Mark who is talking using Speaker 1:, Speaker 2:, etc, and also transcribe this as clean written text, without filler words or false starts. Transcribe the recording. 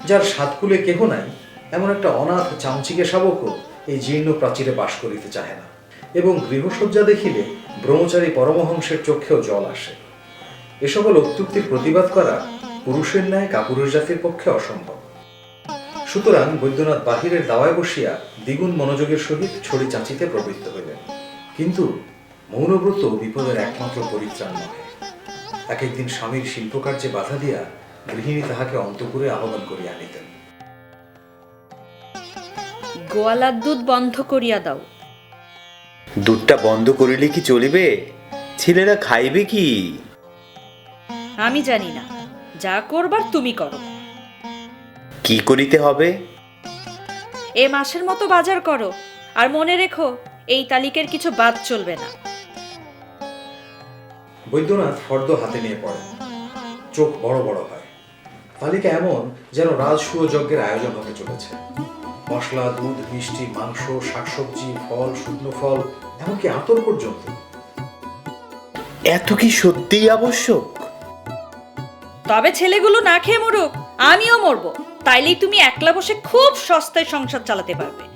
Speaker 1: যার সাতকুলে কেহ নাই, এমন একটা অনাথ চামচিকে শাবকও এই জীর্ণ প্রাচীরে বাস করিতে চাহে না, এবং গৃহসজ্জা দেখিলে ব্রহ্মচারী পরমহংসের চোখেও জল আসে। এ সকল অত্যুক্তির প্রতিবাদ করা পুরুষের ন্যায় কাপুরুষ জাতির পক্ষে অসম্ভব। সুতরাং বৈদ্যনাথ বাহিরের দাওয়ায় বসিয়া দ্বিগুণ মনোযোগের সহিত ছড়ি চাঁচিতে প্রবৃত্ত হইলেন। কিন্তু মৌনব্রত বিপদের একমাত্র পরিত্রাণ নহে। এক একদিন স্বামীর শিল্পকার্যে বাধা দিয়া গৃহিণী তাহাকে অন্তঃপুরে আহ্বান করিয়া আনিতেন।
Speaker 2: গোয়ালার দুধ বন্ধ করিয়া দাও।
Speaker 3: দুধটা বন্ধ করিলে কি চলিবে? ছেলেরা খাইবে কি?
Speaker 2: আমি জানি না, যা করবার তুমি করো।
Speaker 3: কি করিতে হবে?
Speaker 2: এ মাসের মতো বাজার করো, আর মনে রেখো এই তালিকের কিছু বাদ চলবে না।
Speaker 1: বৈদ্যনাথ ফর্দ হাতে নিয়ে পড়েন, চোখ বড় বড় হয়। তালিকা এমন যেন রাজসূয় যজ্ঞের আয়োজন হতে চলেছে। মশলা, দুধ, মিষ্টি, মাংস, শাকসবজি, ফল, শুকনো ফল, এমনকি আতর পর্যন্ত।
Speaker 3: এত কি সত্যিই আবশ্যক?
Speaker 2: তবে ছেলেগুলো না খেয়ে মরুক, আমিও মরবো, তাইলেই তুমি একলা বসে খুব সস্তায় সংসার চালাতে পারবে।